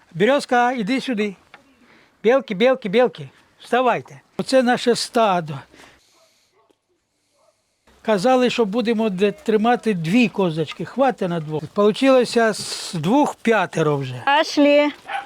Березка, іди сюди. Білки, білки, білки, вставайте. Оце наше стадо. Казали, що будемо тримати 2 козочки, хватить на 2. Получилося з 2 5 вже. Пошли.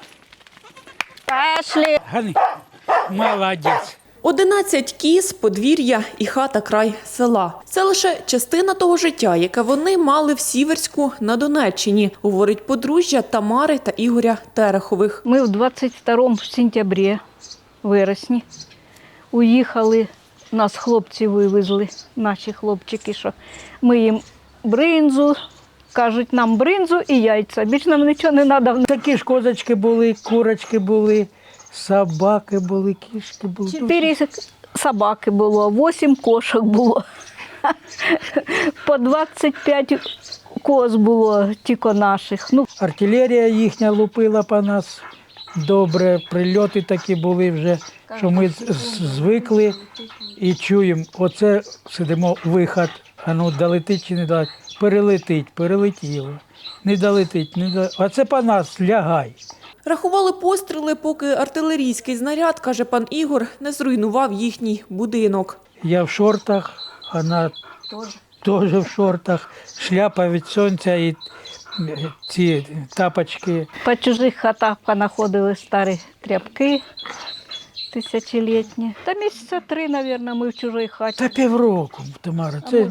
Пошли. Гани, молодець. 11 кіз, подвір'я і хата край села. Це лише частина того життя, яке вони мали в Сіверську на Донеччині, говорить подружжя Тамари та Ігоря Терехових. Ми в 22 сентябрі, вересні, уїхали, нас хлопці вивезли, наші хлопчики, що ми їм бринзу, кажуть нам бринзу і яйця, більше нам нічого не треба. Такі ж козочки були, курочки були, собаки були, кішки були. 4 собаки було, 8 кошок було, по 25 коз було тільки наших. Ну, Артилерія їхня лупила по нас добре, прильоти такі були вже, що ми звикли і чуємо, оце сидимо, виход, а ну долетить чи не долетить, перелетить, перелетіло, не долетить, не долетить, а це по нас, лягай. Рахували постріли, поки артилерійський знаряд, каже пан Ігор, не зруйнував їхній будинок. Я в шортах, вона теж в шортах, шляпа від сонця і ці тапочки. по чужих хатах понаходили старі тряпки тисячолітні. Та місяця 3, мабуть, ми в чужій хаті. Та півроку, Тамара, це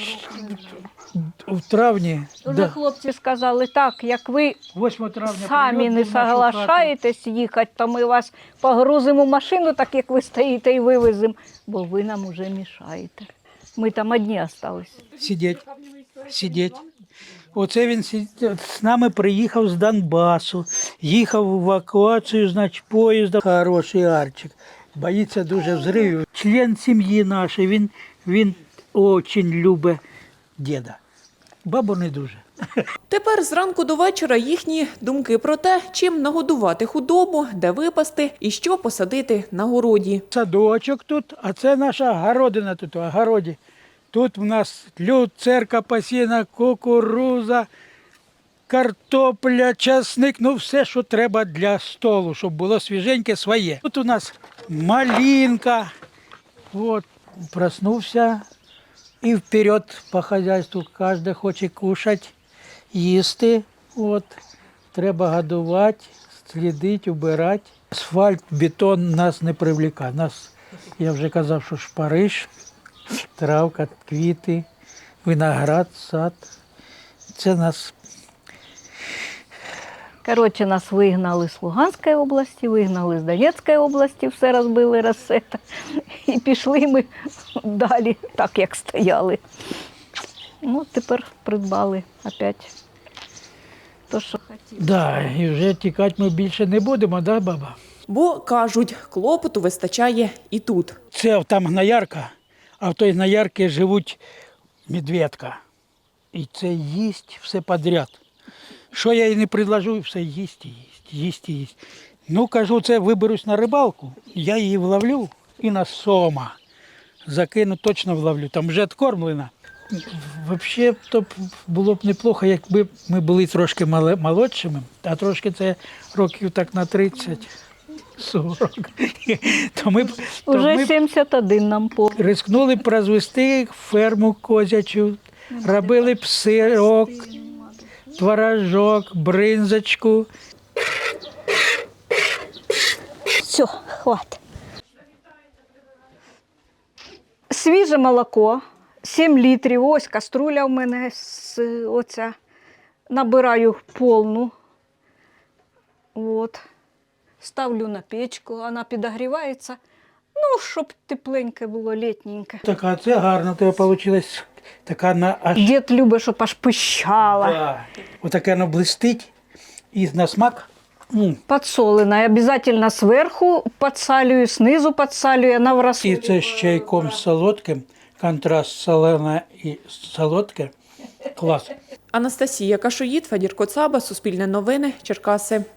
в травні. Вже хлопці сказали, так, як ви 8 травня самі прильот не був в нашу хату. соглашаєтесь їхати, то ми вас погрузимо в машину, так як ви стоїте, і вивеземо, бо ви нам уже мішаєте. Ми там одні залишилися. Сидіть. Оце він з нами приїхав з Донбасу, їхав в евакуацію, значить, поїздом. Хороший Арчик, боїться дуже взривів. Член сім'ї нашої, він дуже любить діда. Бабу не дуже. Тепер зранку до вечора їхні думки про те, чим нагодувати худобу, де випасти і що посадити на городі. Садочок тут, а це наша городина тут, в огороді. Тут в нас люцерка посіяна, кукуруза, картопля, часник, ну все, що треба для столу, щоб було свіженьке своє. Тут у нас малинка, от, проснувся і вперед по хазяйству. Кожен хоче кушати, їсти, от, треба годувати, слідити, убирати. Асфальт, бетон нас не привлікає. Нас, я вже казав, що шпариш, травка, квіти, виноград, сад. Це нас. Коротше, нас вигнали з Луганської області, вигнали з Донецької області, все розбили, розсета. І пішли ми далі, так як стояли. Ну, тепер придбали опять то, що хотіли. Да, і вже тікати ми більше не будемо, да, баба? Бо, кажуть, клопоту вистачає і тут. Це там гноярка, а в той гноярці живуть медведка. І це їсть все підряд. Що я їй не предложу, все їсть і їсть, їсть і їсть. Ну, кажу, це виберусь на рибалку, я її вловлю і на сома. Закину, точно вловлю, там вже откормлена. Взагалі, то було б неплохо, якби ми були трошки молодшими, а трошки це років так на 30. 40. Уже 71 нам повний. Рискнули б розвести ферму козячу, робили б сирок, творожок, бринзочку. Все, хватить. Свіже молоко, 7 літрів, ось каструля в мене оця. Набираю повну. От. Ставлю на печку, вона підогрівається. Ну, щоб тепленьке було, літненьке. Така, це гарно, тебе вийшло. Така на аж. Дід любить, щоб аж пищала. Да. Отаке воно блистить і на смак. Подсоленая. Обязательно сверху подсалюю, снизу подсалюю, она в І рассол. це з чайком солодким, контраст солене і солодке. Клас. Анастасія Кашоїд, Федір Коцаба, Суспільне новини, Черкаси.